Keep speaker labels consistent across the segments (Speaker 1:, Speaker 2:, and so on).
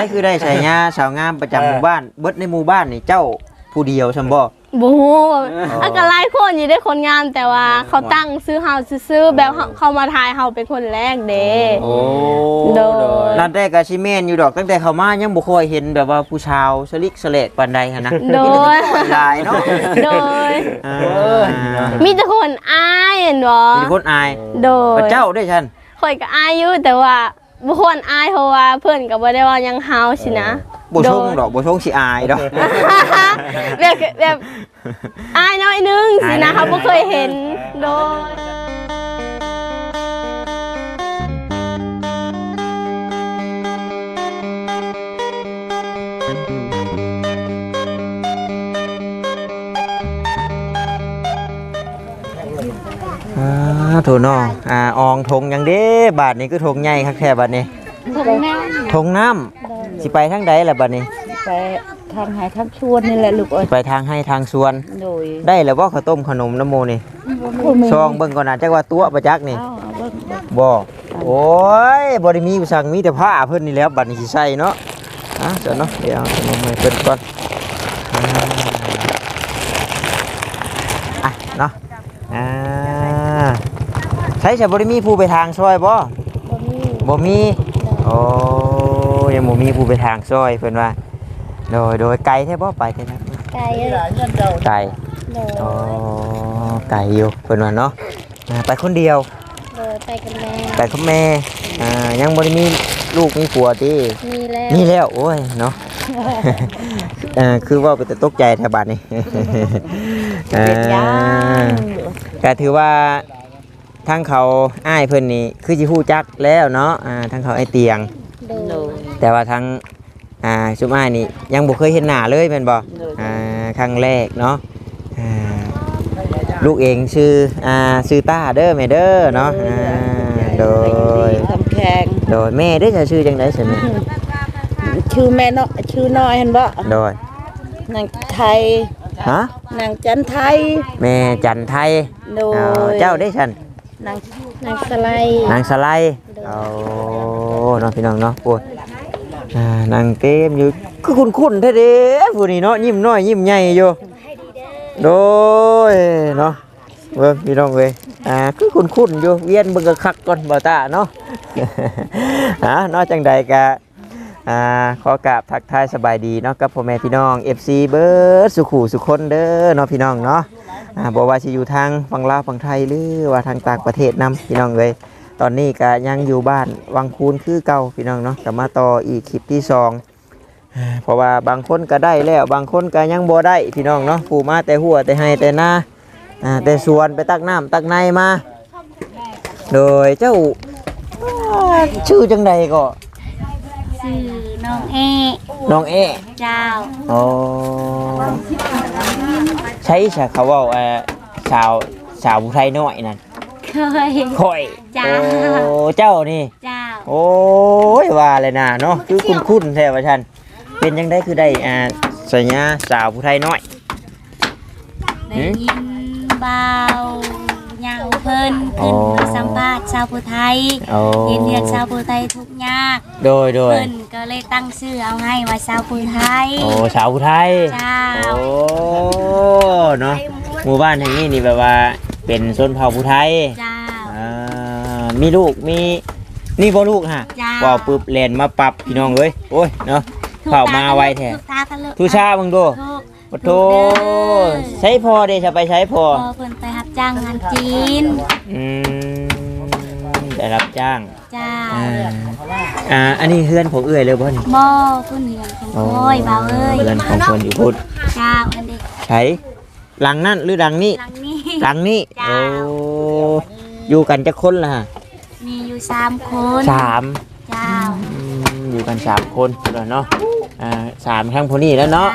Speaker 1: คือได้ฉายาสาวงามประจำหมู่บ้านเบิดในหมู่บ้านนี่เจ้าผู้เดียวซั่นบ่
Speaker 2: บ่ฮู้อันก็หลายคนอยู่ได้คนงามแต่ว่าเขาตั้งซื้อเฮาซื้อแบบเขามาทายเฮาเป็นคนแรกเด้
Speaker 1: โอ้โดยนั่นแต่ก็สิแม่นอยู่ดอกตั้งแต่เข้ามายังบ่ค่อยเห็นแบบว่าผู้ชาวสลิกสเลกปานใดหั่นนะ
Speaker 2: โดย
Speaker 1: หลายเนาะ
Speaker 2: โดยมีแต่คนอายเห็นบ่
Speaker 1: มีคนอาย
Speaker 2: โดย
Speaker 1: เจ้าได้ฉัน
Speaker 2: ข่อยก็อายอยู่แต่ว่าบ่ควรอายเพราะว่าเพิ่นก็บ่ได้ว่ายังเฮาสินะ
Speaker 1: บ่ชงดอกบ่ชงสิอายดอก
Speaker 2: แบบอายน้อยนึงสินะเขาบ่เคยเห็นโด
Speaker 1: ยโถน้องอองทงยังเด้บาทนี้คือทงใหญ่คักแท้บาทนี้ทงน้ำสิไปทางใดล่ะบาทนี้
Speaker 3: ไปทางหายทางชวนนี่แหละลูกเอ้ย
Speaker 1: ไปทางให้ทางสวนได้แล้วบ่ข้าวต้มขนมน้ำโมนี่ซองเบิ่งก่อนนะจักว่าตัวประจักนี่บ่โอ้ยบ่ได้มีผู้สั่งมีแต่ผ้าเพิ่นนี่แล้วบัดนี้สิใส่เนาะเจ้าเนาะเดี๋ยวขนมให้เพิ่นก่อนเนาะใช้จะบ่ได้มีผู้ไปทางซอยบ่มีโอ้ยังบ่มีผู้ไปทางซอยเพิ่นว่าโดยไกลแท้บ่ไปแท้นะ
Speaker 2: ไกล
Speaker 1: โอ้ไกลอยู่เพิ่นว่าเนาะไปคนเดียว
Speaker 2: ไปกับแม่
Speaker 1: ไปกับแม่ยังบ่ได้มีลูกมีผัวติมีแล้วโอ้ยเนาะคือว่าไปแต่ตกใจแถวบ้านนี่ก็ถือว่าทั้งเขาอ้ายเพิ่นนี่คือสิฮู้จักแล้วเนาะทั้งเขาไอ้เตียงแต่ว่าทั้งชุมอ้ายนี่ยังบ่เคยเห็นหน้าเลยแม่นบ่ครั้งแรกเนาะลูกเองชื่อต้าเด้อแม่เด้อเนาะโดย
Speaker 3: คำแข็ง
Speaker 1: โดยแม่ได้จะชื่อจังได๋ซั่นนี่
Speaker 3: ชื่อแม่เนาะชื่อน้อยเห็นบ่
Speaker 1: โดย
Speaker 3: นางไทยนางจันไทย
Speaker 1: แม่จันไทย
Speaker 3: โดย
Speaker 1: เจ้าได้ซั่น
Speaker 2: นางสไล
Speaker 1: เอาเนาะพี่น้องเนาะโอ้ยนางเกมอยู่คือคุ้นๆแท้เด้ผู้นี้เนาะยิ้มน้อยยิ้มใหญ่อยู่โดยเนาะเบิ่งพี่น้องเว้ยคือคุ้นๆอยู่เวียนเบิ่งกะคักก่อนบ่ตาเนาะเนาะจังใดก็ขอกราบทักทายสบายดีเนาะกับพ่อแม่พี่น้อง FC เบิร์ดสุขุสุคนเด้อเนาะพี่น้องเนาะบอกว่าสิอยู่ทางฝั่งลาวฝั่งไทยหรือว่าทางต่างประเทศนํพี่น้องเว้ยตอนนี้ก็ยังอยู่บ้านวังคูนคือเก่าพี่น้องเนาะก็มาต่ออีกคลิปที่2เพราะว่าบางคนก็ได้แล้วบางคนก็ยังบ่ได้พี่น้องเนาะผู้มาแต่หัวแต่ให้แต่หน้าแต่สวนไปตักน้ำตักในมาโดยเจ้าชื่อจังใดก็
Speaker 2: ชื่อน้องเอเจ้า
Speaker 1: โอ้ใช่ใช่เขาว่าสาวผู้ไทยน้อยนั่นค่อย
Speaker 2: เจ้า
Speaker 1: โอ้เจ้านี่
Speaker 2: เจ้า
Speaker 1: โอ้ยว่าเลยนะเนาะคือคุ้นแท้ว่าฉันเป็นยังได้คือได้สัญญาสาวผู้ไทยน้อย
Speaker 2: ได้ยินเบาเงาเพิ่นขึ้นมาสัมภาษณ์ชาวผู้ไทยเรียนชาวผู้ไทยทุกยาก
Speaker 1: โดย
Speaker 2: เพิ่นก็เลยตั้งชื่อเอาให้ว่าชาวผู้ไทย
Speaker 1: โอ้ชาวผู้ไทย
Speaker 2: เจ้า
Speaker 1: โอ้เนาะหมู่บ้านแห่งนี้นี่แบบว่าเป็นชนเผ่าผู้ไทย
Speaker 2: เจ้า
Speaker 1: มีลูกมีนี่บ่ลูกฮะว่าปึ๊บแล่นมาปรับพี่น้องเอ้ยโอ้ยเนาะเข้ามาไวแท้ทุชาเบิ่งดูโอ้โธ่ใช้พอเด้จะไปใช้พอ
Speaker 2: เพิ่นไปรับจ้างงานจีน
Speaker 1: ได้รับจ้าง
Speaker 2: จ้า
Speaker 1: อันนี้เฮือนของเอื้อยเลยบ่นี่
Speaker 2: บ่เพิ่นเฮือนของโอ้ยบ่าวเอ้ย
Speaker 1: เฮือนของเพิ่นอยู่พุทธ
Speaker 2: จ้าอันเด็ก
Speaker 1: ใช้หลังนั่นหรือหลังนี้หลังนี้โอ้อยู่กันจักคนล่ะฮะ
Speaker 2: มีอยู่3คน
Speaker 1: 3จ้าอยู่กัน3คนแล้วเนาะ3ทั้งผู้นี้แล้วเนาะ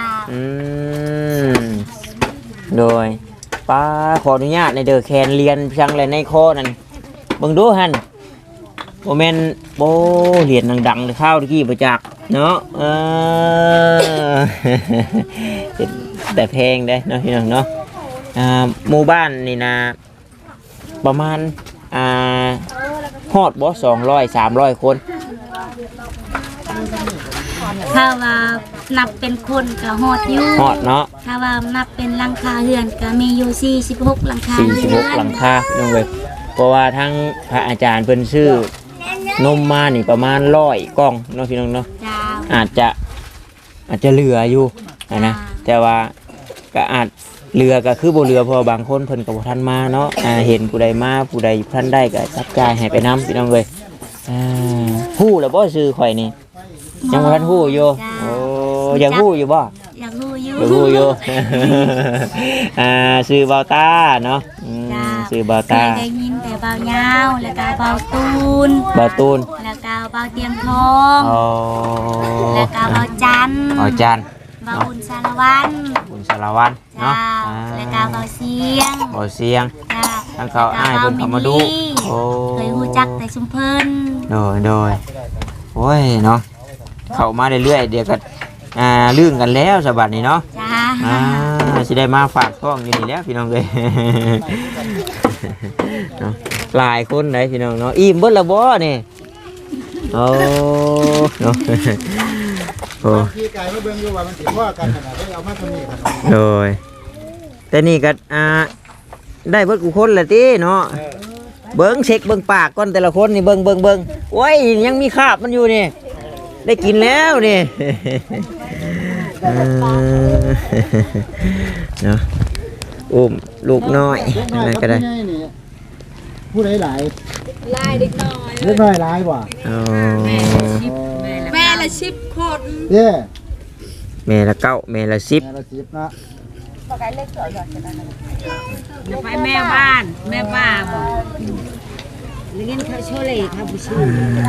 Speaker 1: โดยป้าขออนุญาตในเด้อแคนเรียนเพียงเลยในคอนั่นเบิ่งดูหั่นโมเมนต์โบเหรียญดังๆข้าวตะกี้ประจักษ์เนาะแต่แพงได้เนาะพี่น้องเนาะหมู่บ้านนี่นะประมาณฮอดบ่200-300 คน
Speaker 2: ถ้าว่านับเป็นคนก็ฮอดอยู่
Speaker 1: ฮอดเนาะ
Speaker 2: ถ้าว่านับเป็นหลังคาเรือนก็มีอยู่46หลังคาเรือน
Speaker 1: 46หลังคาพี่น้องเอ้ยเพราะว่าทั้งพระอาจารย์เพิ่นซื้อนมมานี่ประมาณ100กล่องเนาะพี่น้องเนาะ
Speaker 2: จ้า
Speaker 1: อาจจะเหลืออยู่นะแต่ว่าก็อาจเรือก็คือบ่เรือเพอบางคนเพิ่นก็บ่ทันมาเนาะเห็นผู้ใดมาผู้ใดท่านได้ก็จับจ่ายให้ไปนํพี่น้องเอ้ยฮู้แล้วบ่ชื่อข่อยนี่ยังบ่ทันฮู้อยู่โอ้อยากฮู้อยู่บ่
Speaker 2: อยากรู้อยู่
Speaker 1: อยากฮู้อยู่ ชื่อเบาตาเนาะชื่อเบา
Speaker 2: เค
Speaker 1: ตาย
Speaker 2: ได้ยินแต่เบายาวแล้วก็เบาตูน
Speaker 1: เบาตูน
Speaker 2: แล้วก็เบาเตียงทอง
Speaker 1: อ๋อ
Speaker 2: แล้วก็เบาจันทร์
Speaker 1: อ๋อจันทร์
Speaker 2: เบาบุญสารวัน
Speaker 1: บุญสารวัตร
Speaker 2: จ้า
Speaker 1: เนาะ
Speaker 2: แล้วก็เบาเสียง
Speaker 1: บ่เสียง
Speaker 2: จ้า
Speaker 1: ทั้งเขาอ้ายเพิ่นเข้ามาดูโอ้
Speaker 2: เคยรู้จักแต่ชุมเพิ่น
Speaker 1: โดยโอ้ยเนาะเข้ามาเรื่อยๆเดี๋ยวก็ลื่นกันแล้วสบัดนี้เนาะ
Speaker 2: จ้า
Speaker 1: สิได้มาฝากท้องอยู่นี่แล้วพี่น้องเอ้ย เนาะหลายคนไหนพี่น้องเนาะอิ่มเบิดและบ่นี่โอ้เนาะโอ้
Speaker 4: พี่กายมาเบิ่งอยู่ว่ามันสิพ่อกันขนาดได้เอามาตัวนี้ครับ
Speaker 1: โดยแต่นี่ก็ได้เบิดกูคนละติเนาะเบิ่งเช็คเบิ่งปากก่อนแต่ละคนนี่เบิ่งโอ้ยยังมีคราบมันอยู่นี่ได้กินแล้วนี่ เนาะอุ้มลูกน้อยอะไรก็ได้
Speaker 4: ผู้ใดหลายเด็กน้อยหลายบ่
Speaker 1: อ๋อ
Speaker 3: แม่ละ10คน
Speaker 4: เด้
Speaker 1: แม่ละ9แม่ละ10
Speaker 4: แม่ละ10เนาะ
Speaker 3: ไปแม่บ้านแม่ป้าบ่แล้วงั้นเขาช่วยเลยเขาบ่ช่วย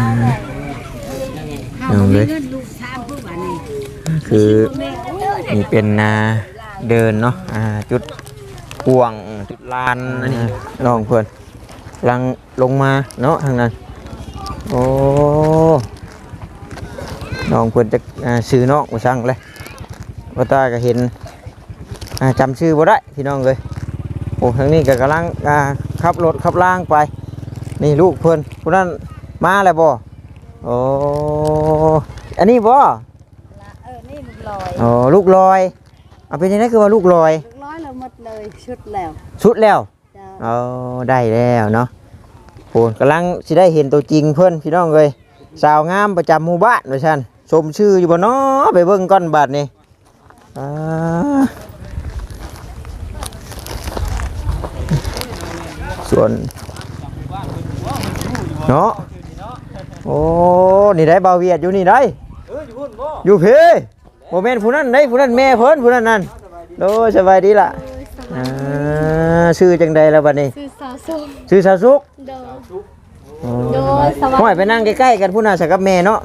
Speaker 1: น้องเลย
Speaker 3: เงินลูกสามผู้บ้านนี่
Speaker 1: คือนี่เป็นเดินเนาะจุดกวางจุดลานน้องเพื่อนกำลังลงมาเนาะทางนั้นโอ้น้องเพื่อนจะซื้อน้องมาสั่งเลยว่าตาก็เห็นจำชื่อบ่ได้พี่น้องเลยโอ้ทางนี้ก็กำลังขับรถขับล่างไปนี่ลูกเพื่อนผู้นั้นมาแล้วบ่โอ้อันนี้บ่
Speaker 3: นี่ลูกลอย
Speaker 1: อ๋อลูกลอยเอาเป็นยังไงคือว่าลูกลอย
Speaker 3: ลูกน้อยแล้วหมดเลยชุดแล้ว
Speaker 1: ชุดแล้ว
Speaker 3: จ้า
Speaker 1: เอาได้แล้วเนาะโอ้กำลังสิได้เห็นตัวจริงเพื่อนพี่น้องเลยสาวงามประจำหมู่บ้านว่าซั่นชมชื่ออยู่บ่เนาะไปเบิ่งก่อนบัดนี้ส่วนเนาะโอ้นี่ได้เบาเวียดอยู่นี่ได้อยู่เพ่โมเมนต์ผู้นั้นได้ผู้นั้นแม่เพิ่นผู้นั้นนั่นโดสบายดีล่ะชื่อจังใดแล้วบัดนี้
Speaker 2: คือสาวสุข
Speaker 1: ชื่อสาวสุก
Speaker 2: โดย
Speaker 1: อ๋อ
Speaker 2: โดยสวัส
Speaker 1: ห้อย
Speaker 2: ดี
Speaker 1: ไปนั่งใกล้ๆกันผู้น่าสักกับแม่เนาะ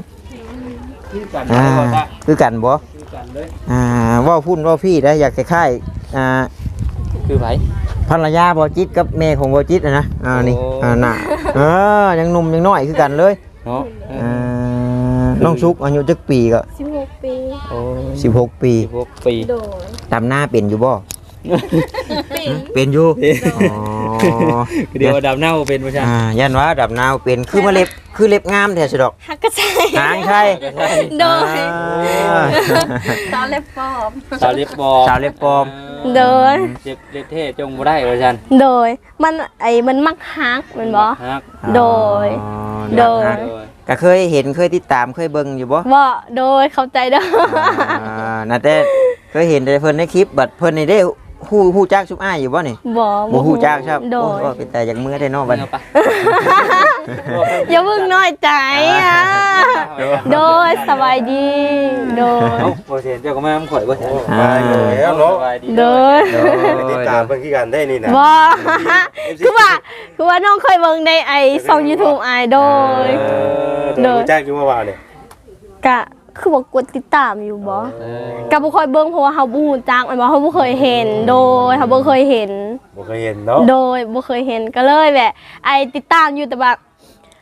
Speaker 1: คือกันบ่ว่าพุ่นว่าพี่ได้อยากคล้ายๆ
Speaker 5: คือไผ
Speaker 1: ภรรยาบ่จิตกับแม่ของบ่จิตนะนี่น่ะยังหนุ่มยังน้อยคือกันเลย
Speaker 5: เนาะ
Speaker 1: น้องสุกอายุจักปีก็
Speaker 2: 16 ปี
Speaker 5: โอ้
Speaker 1: 16 ปี
Speaker 5: 16 ปี
Speaker 2: โดย
Speaker 1: ดำหน้าเป็นอยู่บ่เป็นอยู่อ๋อ
Speaker 5: เดี๋ยวดำเน่าเป็นประชัน
Speaker 1: ยันว่าดำนาวเป็นคือมาเล็บคือเล็บงามแท้สิดอก
Speaker 2: ฮักกระใช่
Speaker 1: หางใช่
Speaker 2: โดย
Speaker 3: ตอนเล็บปอบ
Speaker 5: สาวเล็บบอ
Speaker 1: สาวเล็บปลอม
Speaker 2: โดย
Speaker 5: เจ็บเล็บเท่จงบ่ได้ประชัน
Speaker 2: โดยมันมักฮักแม่นบ่
Speaker 5: ฮัก
Speaker 2: โดย โดย
Speaker 1: ก็เคยเห็นเคยติดตามเคยเบิ่งอยู่บ่
Speaker 2: บ่โดยเข้าใจเด้อ
Speaker 1: น่าแต่เคยเห็นแต่เพิ่นในคลิปบัดเพิ่นนี่ได้ฮู้จักซุปอ้ายอยู่บ่นี่
Speaker 2: บ่
Speaker 1: บ่ฮู้จักครับ
Speaker 2: โดย
Speaker 1: โอ้เป็นแต่อยากมือได้เนาะบัด
Speaker 5: เอาไป
Speaker 2: อย่าเพิ่งน้อยใจอ่ะโดยสบายดี โดย
Speaker 5: เอ้าบ่เห็นเจ้าก็มาข่อยบ่เห็น
Speaker 4: แล้วเนาะ
Speaker 5: สบายดี
Speaker 2: โดย
Speaker 4: ติดตามเพิ่นคือกันได้นี่นะ
Speaker 2: บ่คือว่าน้องเคยเบิ่งในช่อง YouTube โดย โดย
Speaker 4: รู้จักอยู่ว่าเนี่ย
Speaker 2: กะคือบ่กดติดตามอยู่บ่กะบ่ค่อยเบิ่งเพราะว่าเฮาบ่ฮู้จักมันบ่เฮาบ่เคยเห็น โดยเฮาบ่เคยเห็น
Speaker 4: บ่เคยเห็นเนาะ
Speaker 2: โดยบ่เคยเห็นก็เลยแบบติดตามอยู่แต่แบบ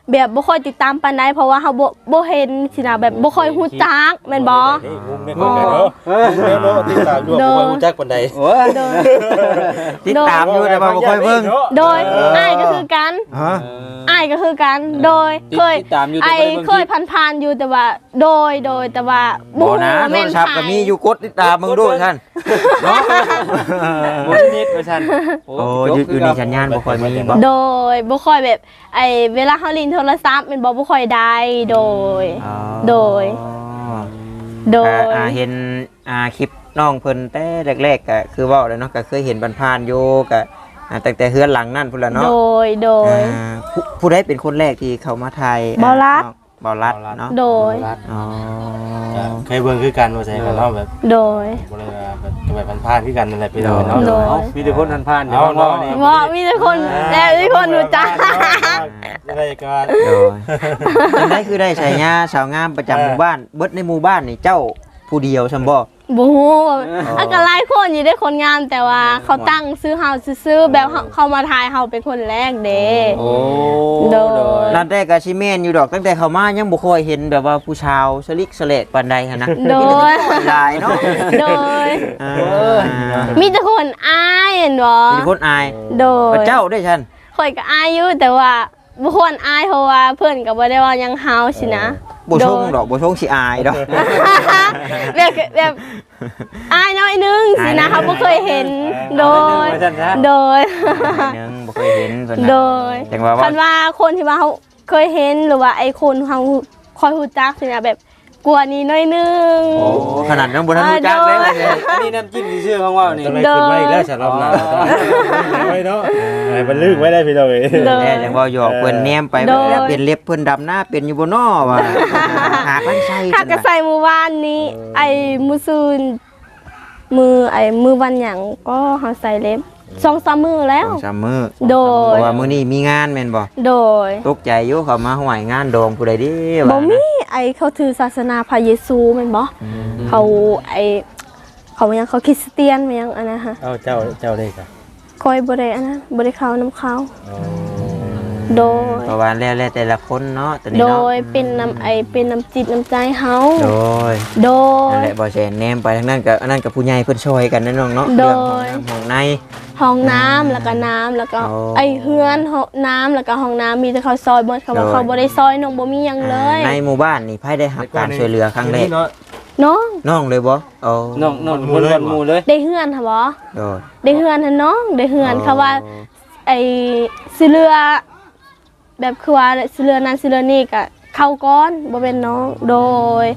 Speaker 6: แบบบ่ค่อยติดตามปานใดเพราะว่าเฮาบ่เห็นสินะแบบบ่ค่อยฮู้จักแม่นบ่
Speaker 7: งุ้มในคนกันเนาะแม่เนาะติดตามอยู่บ่ค่อยรู้จักปานใด
Speaker 1: โอ้ยติดตามอยู่แต่ว่าบ่ค่อยเบิ่ง
Speaker 6: โดยอ้ายก็คือกัน
Speaker 1: ฮะ
Speaker 6: อ้ายก็คือกันโดยเคย
Speaker 5: ติดตามอยู่
Speaker 6: ไอ้
Speaker 5: แต่บ่ได้เบิ่ง
Speaker 6: เคยผ่านๆอยู่แต่ว่าโดยแต่ว่า
Speaker 1: บ่นะ
Speaker 6: ฮู้
Speaker 1: โท
Speaker 6: แม่
Speaker 1: ร
Speaker 6: น
Speaker 1: ศัพท์ก็มีอยู่กดติดตามมึงดูท่านเนาะ
Speaker 5: บ่นิดว่าซั่น
Speaker 1: โอ้อยู่ในสัญญาณบ่ค่อยมีบ่
Speaker 6: โดยบ่ค่อยแบบไอ้เวลาเฮาเล่นโทรศัพท์แม่นบ่ค่อยได้โดย
Speaker 1: อ๋อ
Speaker 6: โดย โดย
Speaker 1: เห็นคลิปน้องเพิ่นแต่แรกๆก็คือเว้าเลยเนาะก็เคยเห็นผ่านๆอยู่ก็ตั้งแต่เฮือนหลังนั่นพุ่นล่ะเนาะ
Speaker 6: โดย
Speaker 1: ผู้ใดเป็นคนแรกที่เข้ามาถ่าย
Speaker 6: บ่าวรัด
Speaker 1: บ่าวรัดเนาะ
Speaker 6: โดย
Speaker 1: อ๋อ
Speaker 7: เคยเบิ่งคือกันว่าใช่กันเนาะแบบ
Speaker 6: โดย
Speaker 7: บ่ได้ว่าแบบจะไปผ่านๆคือกันนั่นแหละพี่น้องเนาะ
Speaker 6: โดย
Speaker 5: เอ้ามีแต่คนผ่านๆเดี๋ยว
Speaker 7: เอาเนาะ
Speaker 5: เว้านี่
Speaker 6: ว่ามีแต่คนมีคนรู้จัก
Speaker 7: อะไรกัน
Speaker 1: โดยจังได๋คือได้ฉายาสาวงามประจำหมู่บ้านเบิดในหมู่บ้านนี่เจ้าผู้เดียวซั่นบ่
Speaker 6: บ่ฮู้อันก็หลายคนอยู่ได้คนงามแต่ว่าเขาตั้งซื้อเฮาซื่อๆแบบเขามาทายเฮาเป็นคนแรกเด้
Speaker 5: โอ้
Speaker 6: โดย
Speaker 1: นั่นแต่ก็สิแม่นอยู่ดอกตั้งแต่เข้ามายังบ่ค่อยเห็นแบบว่าผู้ชาวสลิกสเลกปานใดหั่นนะ
Speaker 6: โดย
Speaker 1: หลายเนาะ
Speaker 6: โดย
Speaker 1: อ่า
Speaker 6: มีแต่คนอายเห็นบ่
Speaker 1: มีคนอาย
Speaker 6: โดย
Speaker 1: พระเจ้าได้ฉัน
Speaker 6: ข่อยก็อายอยู่แต่ว่าบ่ควรอายเพราะว่าเพิ่นก็บ่ได้ว่าหยังเฮาสินะ
Speaker 1: บ่ชงดอกบ่ชงสิอายดอก
Speaker 6: แบบอายน้อยนึงสินะเขาบ่เคยเห็นโดย
Speaker 5: ว่าซั่นซะ
Speaker 6: โดย
Speaker 1: นึงบ่เคยเห็นเพิ่น
Speaker 6: โด
Speaker 1: น่ะ
Speaker 6: ย
Speaker 1: จังว่า
Speaker 6: คันว่าคนที่ว่าเขาเคยเห็นหรือว่าไอ้คนเขาคอยฮู้จักสินะแบบกลัวนี้น้อยนึง
Speaker 1: โอ้ขนาดนั้นบ่ทันรู้จักเลย
Speaker 5: อันนี้น้ำจิ้มซื่อๆของเว้านี่
Speaker 7: จะไม่ขึ้นมาอีกแล้วสำหรับเราไว้เนาะให้มันลึกไว้ได้พี่น้องเอ้ย
Speaker 6: โดย
Speaker 1: แน่จังว่าหยอกเพิ่นแนมไป
Speaker 6: โดย
Speaker 1: แล้วเป็นเล็บเพิ่นดำหน้าเป็นอยู่บ่น้อว่าหากันใส่
Speaker 6: ถ้ากระใส่มือวานนี้ ไอ้มือซืนมือวันหยังก็เฮาใส่เล็บ2-3 มือแล้ว
Speaker 1: สามมื้อ
Speaker 6: โด
Speaker 1: เพ
Speaker 6: ย
Speaker 1: ราะว่ามื้อนี้มีงานแม่นบ่
Speaker 6: โดย
Speaker 1: ตกใจอยู่เขามาห่วยงานดองผู้ใดเด้ว่า
Speaker 6: บ่มีไอ้เขาถือศาสนาพระเยซูแม่นบ่เขาเขายังเขาคริสเตียนมันยังอันนั้นฮะ
Speaker 7: เอาเจ้าได้จ้ะ
Speaker 6: คอยบ่ได้อันนั้นบ่ได้เข้านํเขาโดย
Speaker 1: เพราะว่าแล้วแต่ละคนเนาะตอนนี้
Speaker 6: โด
Speaker 1: เนาะ
Speaker 6: ยเป็นน้ำจิตน้ำใจเฮา
Speaker 1: โดย
Speaker 6: โด
Speaker 1: นั่น
Speaker 6: ย
Speaker 1: แหละบ่แซนแนมไปทางนั้นก็อันนั้นกับผู้ใหญ่เพิ่นช่วยกันนั่นน้องเนาะ
Speaker 6: โด
Speaker 1: เรื่อย งของใน
Speaker 6: ห้องน้ำแล้วก็น้ำแล้วก็
Speaker 1: อ๋อ
Speaker 6: ไอ้เฮือนห้องน้ำแล้วก็ห้องน้ำมีแต่เขาซอยเบิดเขาว่า
Speaker 1: โดย
Speaker 6: เขาบ่ได้ซอยน้องบ่มีหยังเลย
Speaker 1: ในหมู่บ้านนี่ไผได้รับการช่วยเหลือครั้งแรก
Speaker 7: เนาะ
Speaker 6: น้อง
Speaker 1: น้องเลยบ่เอา
Speaker 5: น้องๆคนวันหมู่เลย
Speaker 6: ได้เฮือนค่ะบ่
Speaker 1: โดย
Speaker 6: ได้เฮือนหั่นน้องได้เฮือนเขาว่า ไอ้สิเรือแบบคือว่าสิเรือนั้นสิเรือนี้ก็เข้าก้อนบ่เป็นน้องโดย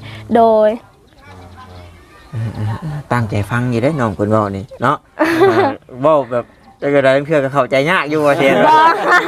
Speaker 1: ตั้งใจฟังอยู่ได้อน้องเพิ่นเว้านี่เนาะเว้าแบบจังได๋เพื่อก็เข้าใจยากอยู่ว่าเช่น
Speaker 6: บ่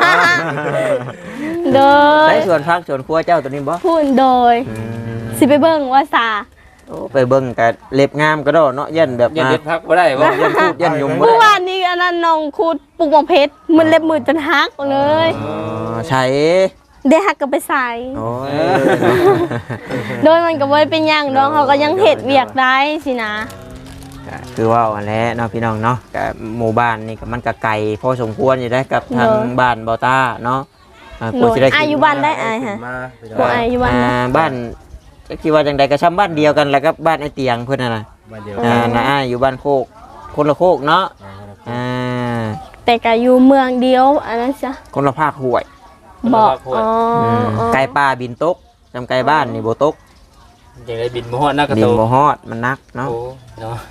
Speaker 6: โดย
Speaker 1: ได้ส่วนพักส่วนครัวเจ้าตัวนี้บ่
Speaker 6: พูดโดย
Speaker 1: อืม
Speaker 6: สิไปเบิ่งว่าซา
Speaker 1: โอ้ไปเบิ่งก็เล็บงามก็ดอเนาะยันแบบ
Speaker 5: อย่าเด็ดพักบ่ได้บ่
Speaker 1: ยันพูดยันยมบ่
Speaker 6: เมื่อ
Speaker 1: ได้
Speaker 6: วานนี้อันนั้นน้องคูดปลูกหมอกเพชรมันเล็บมือจนหักเลย
Speaker 1: อ๋อใช่
Speaker 6: ได้หักก็ไปใส่
Speaker 1: โอ้ย
Speaker 6: โดยมันก็บ่ได้เป็นหยังน้องเขาก็ยังเฮ็ดเวียกได้สินะ
Speaker 1: ก็คือว่าอันแหละเนาะพี่น้องเนาะกับหมู่บ้านนี่ก็มันก็ไกลพอสมควรอยู่ได้กับทางบ้านเบาต้าเนาะก
Speaker 6: โด
Speaker 1: ว่าย สิได้
Speaker 6: อายุบ้านได้อายฮะ
Speaker 7: มาพี่น้อง
Speaker 6: บ่อายอยู่บ้านนะ
Speaker 1: บ้านจะคิดว่าจังใดก็ซ้ำบ้านเดียวกันแล้วก็บ้านไอ้เตียงเพิ่นน่ะนะ
Speaker 7: มาเดียว
Speaker 1: น้าอ้ายอยู่บ้านโคกคนละโคกเนาะอ่า
Speaker 6: แต่ก็อยู่เมืองเดียวอันนั้นจ้ะ
Speaker 1: คนละภาคห้วย
Speaker 6: บอกอ๋ออ๋อ
Speaker 1: ไก่ป่าบินตกจำไก่บ้านนี่บ่ตก
Speaker 5: จังได้บินบ่ฮอดนักกระ
Speaker 1: บิ
Speaker 5: โต
Speaker 1: นบ่ฮอดมันนักเนาะ
Speaker 5: โอ้เนาะ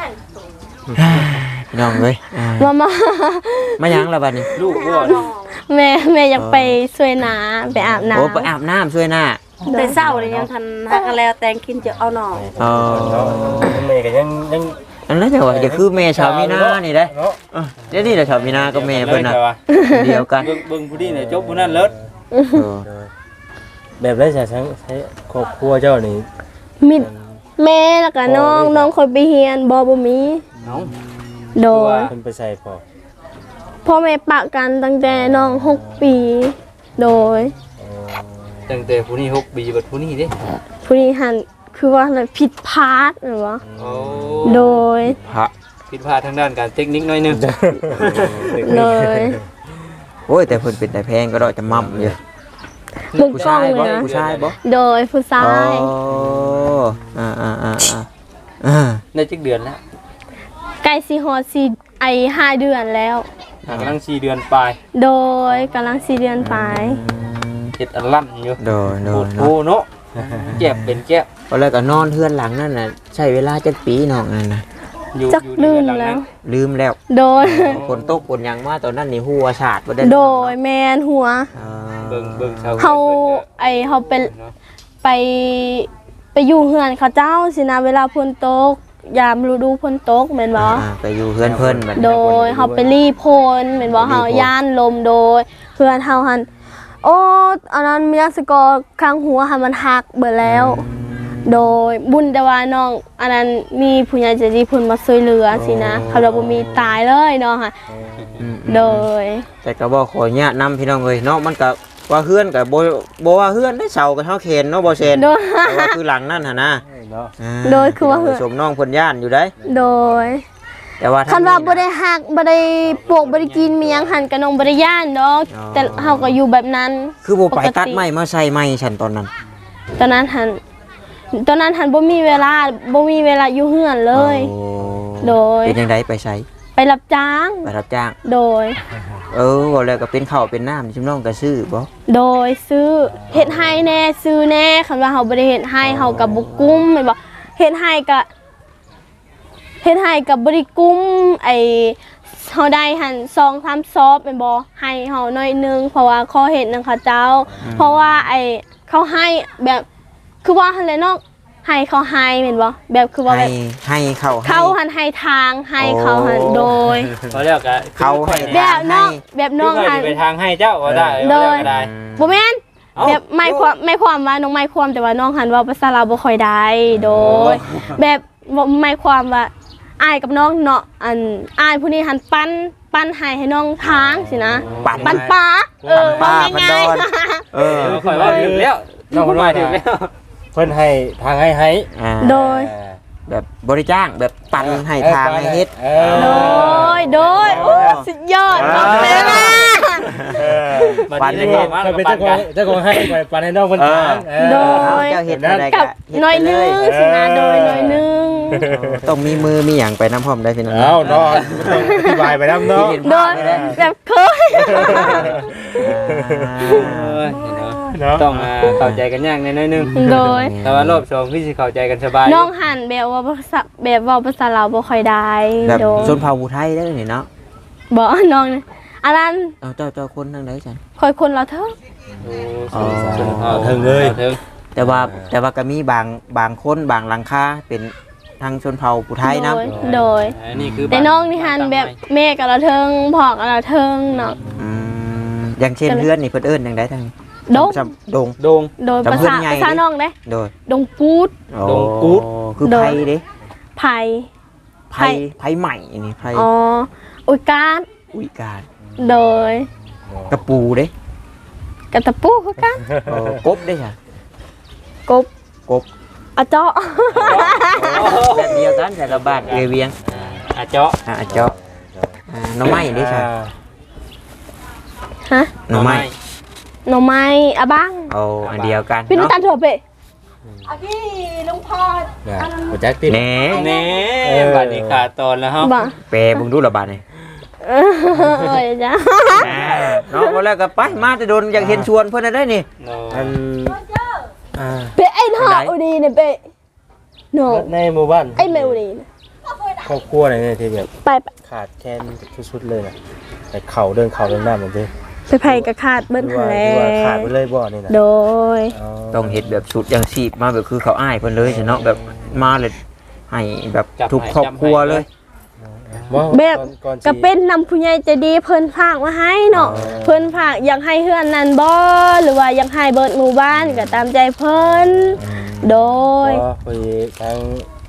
Speaker 1: พี่น้องเอ้ย
Speaker 6: มา
Speaker 1: มาหยังล่ะบัดนี้
Speaker 5: ลูกบ่
Speaker 6: แม่อยากไปช่วยนาไปอาบน้ำ
Speaker 1: โอ้ไปอาบน้ำช่วยหน้า
Speaker 3: แต่เศร้าเลยยังทันหักกันแล้วแตงกินจะเอาหน่อ
Speaker 1: อ๋อ
Speaker 7: เมย์ก็ยัง
Speaker 1: อันนั้นจะว่าจะคือแม่ชาวมีนานี่ได้
Speaker 7: เนาะ
Speaker 1: เดี๋ยวนี้แหละชาวมีนาก็แม่เพิ่นน่ะเดียวกัน
Speaker 5: เบิ่งผู้นี้เนี่ยจบผู้นั้นเลิศ
Speaker 7: แบบไรใช้ครอบครัวเจ้านี่
Speaker 6: มิดแม่แล้วก็น้องคนไปเฮียนบ่มี
Speaker 5: น้อง
Speaker 6: โดย
Speaker 7: เพิ่นไปใส่พอ
Speaker 6: พ่อแม่ปะกันตั้งแต่น้อง6 ปี โดย
Speaker 5: ตั้งแต่ผู้นี้6ปีบัดผู้นี้เด้
Speaker 6: ผู้นี้หันคือว่าอะไรผิดพลาดหรือวะ
Speaker 5: โอ้
Speaker 6: โดย
Speaker 1: พระ
Speaker 5: ผิดพลาดทางด้านการเทคนิคหน่อยหนึง
Speaker 6: เลย
Speaker 1: โอ้ยแต่เพิ่นเป็นแต่แพงก็ดอกจะมั่มอยู่
Speaker 6: มุกกล้องเลยนะ
Speaker 1: ผู้ชายบ่
Speaker 6: โดยผู้ชา
Speaker 1: อ๋
Speaker 6: ย
Speaker 1: อ
Speaker 5: ได้จักเดือนแล้ว
Speaker 6: ใกล้สิฮอดสี่5 เดือนแล้ว
Speaker 5: กำลัง4เดือนปลาย
Speaker 6: โดยกำลัง4 เดือนไป
Speaker 5: เฮ็ดอันลั่นอยู่
Speaker 1: โดย
Speaker 5: โอ้โหเนาะแก็บเป็นแก็บ
Speaker 1: ก็เลยก็นอนเฮือนหลังนั่นน่ะใช้เวลาจักปีน้องนั่นน่ะ
Speaker 5: อยู่
Speaker 6: จัก
Speaker 5: อยู่
Speaker 6: ลืม
Speaker 5: ในห
Speaker 6: แล้
Speaker 5: ง
Speaker 6: ว
Speaker 5: นั้น
Speaker 1: ลืมแล้ว
Speaker 6: โดย
Speaker 1: ฝนตกฝนหยังมาตอนนั้นนี่หัวฉาดบ่ได้
Speaker 6: โดยแมนหัว
Speaker 5: เบิ่งชาว
Speaker 6: เขาเขาเป็น
Speaker 5: เนาะ
Speaker 6: ไปอยู่เฮือนเขาเจ้าสินะเวลาฝนตกยามฤดูฝนตกแม่นบ่
Speaker 1: ไปอยู่เฮือนเพิ่นแบบ
Speaker 6: โดยเขาไปรีพลแม่นบ่เฮาย่านลมโดยเพื่อนเฮาหันโอ้อันนั้นเมียสกอข้างหัวหันมันหักเบิดแล้ว โดยบุญแต่ว่าน้องอันนั้นมีผู้ใหญ่ใจดีเพิ่นมาช่วยเหลือสินะเขาเราบ่มีตายเลยเนาะค่ะโดย
Speaker 1: แต่ก็บ่ขออนุญาตนำพี่น้องเอ้ยเนาะมันก็ว่าเฮือนก็บ่ว่าเฮือนได้เสาก็เฮาเข็นเนาะบ่เซน
Speaker 6: โดย
Speaker 1: แต่ว่าคือหลังนั่นหั่นนะ
Speaker 7: เนาะ
Speaker 6: โดยคือว่าเฮือน
Speaker 1: สมน้องเพิ่นย่านอยู่ได้
Speaker 6: โดย
Speaker 1: แต่ว่า
Speaker 6: คันว่าบ่ได้หักบ่ได้ปลูกบ่ได้กินมีหยังหันกับน้องบ่ได้ย่านดอกแต่เฮาก็อยู่แบบนั้น
Speaker 1: คือบ่ไป
Speaker 6: ปกติ
Speaker 1: ตัดไม้มาใส่ไม้ฉันตอนนั้น
Speaker 6: ตอนนั้นหันบ่มีเวลาอยู่เฮือนเลย
Speaker 1: โอ้
Speaker 6: โดย
Speaker 1: เป็นจังไดไปใช้
Speaker 6: ไปรับจ้าง
Speaker 1: ไปรับจ้าง
Speaker 6: โดย
Speaker 1: บ่แล้วก็เป็นข้าวเป็นน้ำชิมน้องก็ซื้อบ่
Speaker 6: โดยซื้อเฮ็ดให้แน่ซื้อแน่คันว่าเฮาบ่ได้เฮ็ดให้เฮาก็บ่กุ้มแม่นบ่เฮ็ดให้ก็บ่ได้กุ้มเฮาได้หัน2-3ซอบแม่นบ่ให้เฮาหน่อยนึงเพราะว่าขอเฮ็ดนำเขาเจ้า เพราะว่าเขาให้แบบคือว่าหั่นแหละเนาะให้เขาให้แม่นบ่แบบคือว่าแบบ
Speaker 1: ให้เข้าให้
Speaker 6: เขาหันให้ทางให้เขาหันโดย
Speaker 5: เขาเรียกก็
Speaker 1: เขาให้
Speaker 6: แบบน้องแบบน้อง
Speaker 5: คือ
Speaker 6: หัน
Speaker 5: ไปทางให้เจ้าก็ได้
Speaker 6: โดย
Speaker 5: ก็ได้
Speaker 6: บ่แม่น
Speaker 5: เอ้า
Speaker 6: แบบไม่ความว่าน้องไม่ความแต่ว่าน้องหันเว่าภาษาลาวบ่ค่อยได้โดย แบบไม่ความว่าอายกับน้องเนาะอายผู้นี้หันปั้นให้น้องทางสินะปั้นปลา
Speaker 1: ป้า
Speaker 6: ว่า
Speaker 1: พัน
Speaker 6: ง่า
Speaker 1: ด
Speaker 6: ย
Speaker 1: อน
Speaker 5: เออข่อยว่าถึงแล้วน้องคนมาถึงแล้ว
Speaker 7: เพิ่นให้ทางให้
Speaker 6: โดย
Speaker 1: แบบบริจ้างแบบปั่นให้ทางให้เฮ็ด
Speaker 6: โดยโอ้สุดยอดน้องแม่
Speaker 5: บัดนี้ได้เข้ามา
Speaker 7: เพิ่นเป็น
Speaker 5: ปั่นกัน
Speaker 7: เจ้าของให้ไปปันให้น้องเพิ่นทาง
Speaker 6: โดย
Speaker 1: เจ้าเฮ็ดอะไร
Speaker 6: กับ
Speaker 1: เฮ็ด
Speaker 6: หน่อย
Speaker 1: ไปเล
Speaker 6: นึง
Speaker 1: ย
Speaker 6: สินะโดยหน่อยนึง
Speaker 1: ต้องมีมือมีหยังไปน้ำพร้อมได้พี่น้อง
Speaker 7: เอ้าเนาะต้องอธิบายไปนำเนาะ
Speaker 6: โดยแบบเคย
Speaker 7: เนาะ
Speaker 5: ต้องเข้าใจกันยากนิดนึง
Speaker 6: โดย
Speaker 5: แต่ว่ารอบ2พี่สิเข้าใจกันสบาย
Speaker 6: น้องหันแบบว่าภาษาลาวบ่ค่อยได้
Speaker 1: แบบ
Speaker 6: โดย
Speaker 1: ชนเผ่าผู้ไทยได้นี่เนาะ
Speaker 6: บ่น้องอันนั้น
Speaker 1: เอาเจ้าคนทางไหนฉัน
Speaker 6: ค่อยคนเราเถอะ
Speaker 7: ถึงเลย
Speaker 5: ถึง
Speaker 1: แต่ว่าก็มีบางคนบางหลังคาเป็นทางชนเผ่าผู้ไทยนะ
Speaker 6: โดย
Speaker 5: อันนี้คือ
Speaker 6: แต่น้องนี่หันแบบแม่กับเราเทิงพ่อกับเราเทิงเนาะ
Speaker 1: อย่างเช่นเพื่อนนี่เพิ่นเอิ้นจังไดทาง
Speaker 6: ดง
Speaker 1: จำดง
Speaker 5: โดง
Speaker 6: โดย
Speaker 1: จำเพื่อนไง
Speaker 6: ภาษาน้องเด้
Speaker 1: โดย
Speaker 6: ดงปูด
Speaker 5: ดงกู๊ด
Speaker 1: คือ
Speaker 6: โด
Speaker 1: ไผ
Speaker 6: ย
Speaker 1: เด้
Speaker 6: ไผ่
Speaker 1: ไผใหม่นี่ไผ
Speaker 6: อ๋ออุยการ
Speaker 1: อุ้ยการ
Speaker 6: โดย
Speaker 1: กระปูเด้
Speaker 6: กระตะปูคือกัน
Speaker 1: กบเด้ค่ะ
Speaker 6: กบ
Speaker 1: กบ
Speaker 6: อะเจาะ
Speaker 1: แบบเดียวกันแต่ละบ้านเวียง
Speaker 5: อาเจาะ
Speaker 1: เจาะหน่อไม้เด้ค่ะ
Speaker 6: ฮะ
Speaker 1: หน่อไม้
Speaker 6: หน่อไม้อะบ้าง
Speaker 1: เอาอันเดียวกัน
Speaker 6: พี่นุตัน
Speaker 1: เนาะ
Speaker 6: โถเปะอ่ะพี่ลุงพอด
Speaker 7: บ่จักติด
Speaker 1: แหน่
Speaker 5: แน่บัดนี้ขาดตอนแล้วเฮา
Speaker 6: บ่
Speaker 1: แปรเบิ่งดูละบาดนี่
Speaker 6: เออจ้ะ
Speaker 1: เนาะบ่แล้วก็ไปมาแต่โดนอยากเห็นชวนเพิ่นได้นี่
Speaker 7: อัน
Speaker 6: เปะไอ้หน้าอุดีเนี่ยเปะโน
Speaker 7: ในหมู่บ้าน
Speaker 6: ไอ้แมวดีเนี่ย
Speaker 7: ครอบครัวอะไรเนี่ยที่แบบ
Speaker 6: ไป
Speaker 7: ขาดแคลนสุดๆเลยนะแต่เข่าเดินน้ำเหมือนเดิม
Speaker 6: ไปไผ่กระคาดเบิ้ล
Speaker 7: ที่
Speaker 6: ทะ
Speaker 7: ว่า
Speaker 6: เล
Speaker 7: ที่ว่าขาดไปเลยบ่อนี่นะ
Speaker 6: โดย
Speaker 1: ต้องเฮ็ดแบบสุดอย่างชีพมาแบบคือเขาอ้ายเพิ่นเลยเนาะแบบมาเลยให้แบบทุกครอบครัวเลย
Speaker 6: แบบก็เป็นนำผู้ใหญ่ใจดีเพิ่นฝากมาให้เนาะเพิ่นฝากอยากให้เฮือนนั่นบ่หรือว่าอยากให้เบิดหมู่บ้านก็ตามใจเพิ่นโดย
Speaker 7: ก็ไปทั้ง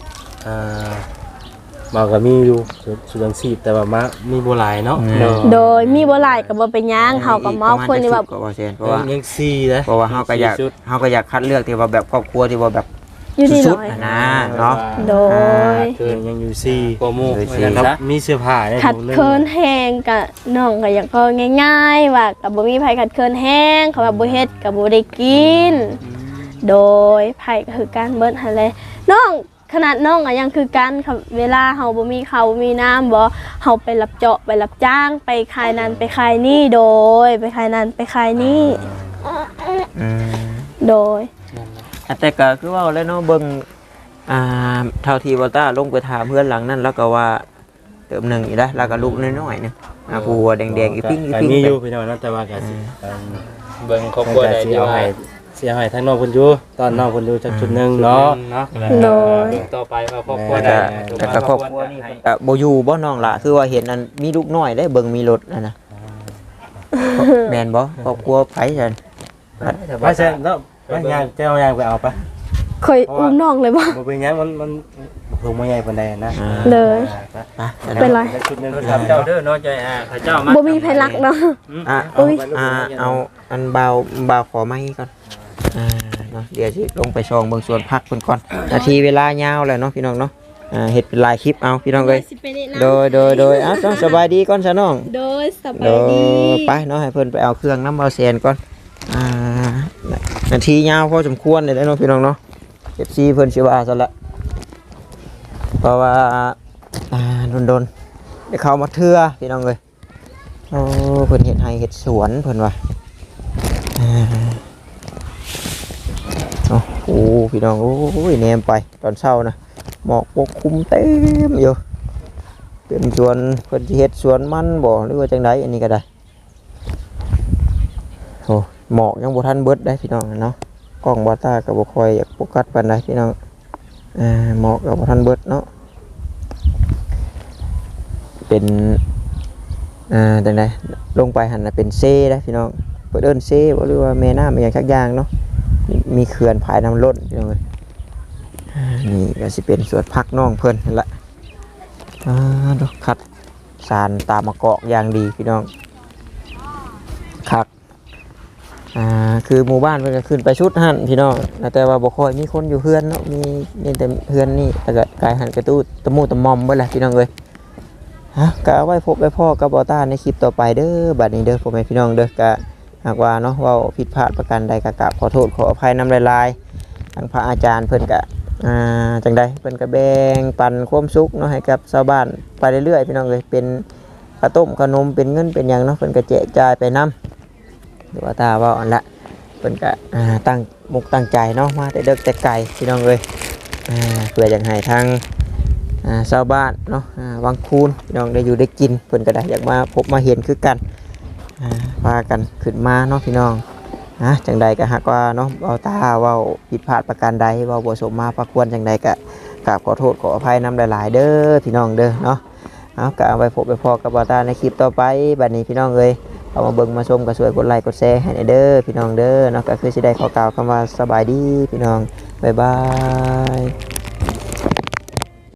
Speaker 7: มาก็มีอยู่สุดังซีบแต่ว่ามามีบ่หลายเนาะ
Speaker 6: โดยมีบ่หลายก็บ่เป็นหยังเฮาก็มอบคนที่แบบ
Speaker 1: ก็บ่เซนเพราะว่า
Speaker 7: ยังซีนะ
Speaker 1: เพราะว่าเฮาก็อยากคัดเลือกที่ว่าแบบครอบครัวที่ว่าแบบ
Speaker 6: อยู่ที่
Speaker 1: สุ
Speaker 6: น้
Speaker 1: ด
Speaker 6: อย
Speaker 1: ๆนะเนาะ
Speaker 6: โดย
Speaker 5: คือ
Speaker 7: ยังอยู่ซี่
Speaker 5: โปรโมท
Speaker 1: เลยสิ
Speaker 5: ไว้กัน
Speaker 7: ครับ
Speaker 5: ซะ
Speaker 7: มีเสื้อผ้าได้
Speaker 6: ขัด
Speaker 7: ผมลย
Speaker 6: เคินแห้งกะน้องก็อยากก็ง่ายๆว่ากับบ่มีไผขัดเคินแห้งเขาว่าบ่เฮ็ดกับบ่ได้กิน โดยไผก็คือการเบิดหั่นแหละน้องขนาดน้องก็ยังคือกันค่ะเวลาเฮาบ่มีข้าวบ่มีน้ำบ่เฮาไปรับเจาะไปรับจ้างไปขายนั่นไปขายนี่โดยไปขายนั่นไปขายนี่
Speaker 1: อืม
Speaker 6: โดย
Speaker 1: แต่ก็คือว่าแล้วเนาะเบิ่งเท่าที่บ่ต้าลงไปถามเพื่อนหลังนั้นแล้วก็ว่าเติมหนึงอีกแล้วแล้วก็ลูกน้อยๆนึงผัวแดงๆอีปิ้งอี
Speaker 7: ก็
Speaker 1: ปิ้ง
Speaker 7: มีอยู่พี่น้องเนาะแต่ว่าก็สิ
Speaker 5: เบิ่งครอบครัวใด
Speaker 7: สิ
Speaker 5: ที่
Speaker 7: เอา
Speaker 5: ว่า
Speaker 7: ให้เสียให้ทั้งน้องเพิ่นอยู่ตอนน้องเพิ่นอยู่จักจุดหนึงเนาะ
Speaker 5: เนาะ
Speaker 6: โดย
Speaker 5: เบิ่งต่อไปว่าครอบครัว
Speaker 1: แต่
Speaker 5: ใด
Speaker 1: ก็แต่ก็ครอบครัวนี่เพิ่นก็บ่อยู่บ่น้องล่ะคือว่าเห็นอันมีลูกน้อยได้เบิ่งมีรถนั่นน่ะแม่นบ่ครอบครัวไผซั่น
Speaker 7: ว่าเช่นเนาะว่ายางเจ้ายางไปเอาปะ
Speaker 6: เคยอุ้มน้องเลยบ่
Speaker 7: บ่เป็นหยังมันลงมาใหญ่ปานใดนะ
Speaker 6: เลย
Speaker 1: ไป
Speaker 6: เป็นไร
Speaker 7: จักจุดหนึง
Speaker 5: ถามเจ้าเด้อเนาะใจเขาเจ้ามา
Speaker 6: บ่มีไผรักเนาะ
Speaker 1: อุ้ยเอาอันเบาขอไม้ก่อนเนาะเดี๋ยวสิลงไปช่องเบิ่งสวนผักเพิ่นก่อนนาทีเวลายาวแล้วเนาะพี่น้องเนาะเฮ็ดเป็นลายคลิปเอาพี่น้องเอ้ยโดยต้องสบายดีก่อนซะน้อง
Speaker 6: โดยส
Speaker 1: โด
Speaker 6: บายดี
Speaker 1: ไปเนาะให้เพิ่นไปเอาเครื่องน้ำเบาแซนก่อนนาทียาวพอสมควรเลยเนาะพี่น้องเนาะFCเพิ่นสิว่าซะละเพราะว่าโดนได้เข้ามาเทื่อพี่น้องเอ้ยโอ้เพิ่นเฮ็ดไร่เฮ็ดสวนเพิ่นว่าโอ้โหพี่น้องโอ้ยแนมไปตอนเช้านะหมอกปกคลุมเต็มอยู่เป็นสวนเพิ่นสิเฮ็ดสวนมันบ่หรือว่าจังไดอันนี้ก็ได้โอ้หมอกยังบ่ทันเบิดได้พี่น้องเนาะกล้องบ่ตาก็บ่ค่อยอยากโฟกัสปานใดพี่น้องหมอกก็บ่ทันเบิดเนาะเป็นจังไดลงไปหั่นน่ะเป็นเซ่ได้พี่น้องเพิ่นเอิ้นเซ่บ่หรือว่าแม่น้ำอีหยังสักอย่างเนาะมีเขื่อนผายน้ำล้นพี่น้องเอ้ยนี่ก็สิเป็นสวนผักน้องเพิ่นนั่นแหละดอกคัดสารตามมะกอกอย่างดีพี่น้องคักคือหมู่บ้านเพิ่นก็ขึ้นไปชุดหั่นพี่น้องแต่ว่าบ่ค่อยมีคนอยู่เฮือนเนาะมีแต่เฮือนนี่แต่ก็กลายหั่นกระตู้ตะมูตะมอมเบิดแหละพี่น้องเอ้ยก็เอาไว้พบไว้พ่อกับบ่ต้าในคลิปต่อไปเด้อบัดนี้เด้อพ่อแม่พี่น้องเด้อก็หากว่าเนาะเว้าผิดพลาดประการใดก็กราบขอโทษขออภัยนำหลายๆทางพระอาจารย์เพิ่นก็จังใดเพิ่นก็แบ่งปันความสุขเนาะให้กับชาวบ้านไปเรื่อยๆพี่น้องเอ้ยเป็นข้าวต้มขนมเป็นเงินเป็นหยังเนาะเพิ่นก็แจกจ่ายไปนำหรือว่าตาเว้าอันละเพิ่นก็ตั้งมุกตั้งใจเนาะมาแต่เด็กแต่ไกลพี่น้องเอ้ยเพื่ออยากให้ทางชาวบ้านเนาะวังคูนพี่น้องได้อยู่ได้กินเพิ่นก็ได้อยากมาพบมาเห็นคือกันพากันขึ้นมาเนาะพี่น้องจังใดก็หากว่าเนาะเอาตาเว้าผิดพลาดประการใดเว้าบ่สมมาพระควรจังใดก็กราบขอโทษขออภัยนำหลายๆเด้อพี่น้องเด้อเนาะเอาก็เอาไว้พบไปพอกับบ่าวตาในคลิปต่อไปบัดนี้พี่น้องเอ้ยเอามาเบิ่งมาชมก็ช่วยกดไลค์กดแชร์ให้เด้อพี่น้องเด้อเนาะก็คือสิได้ขอกล่าวคำว่าสบายดีพี่น้องบ๊ายบาย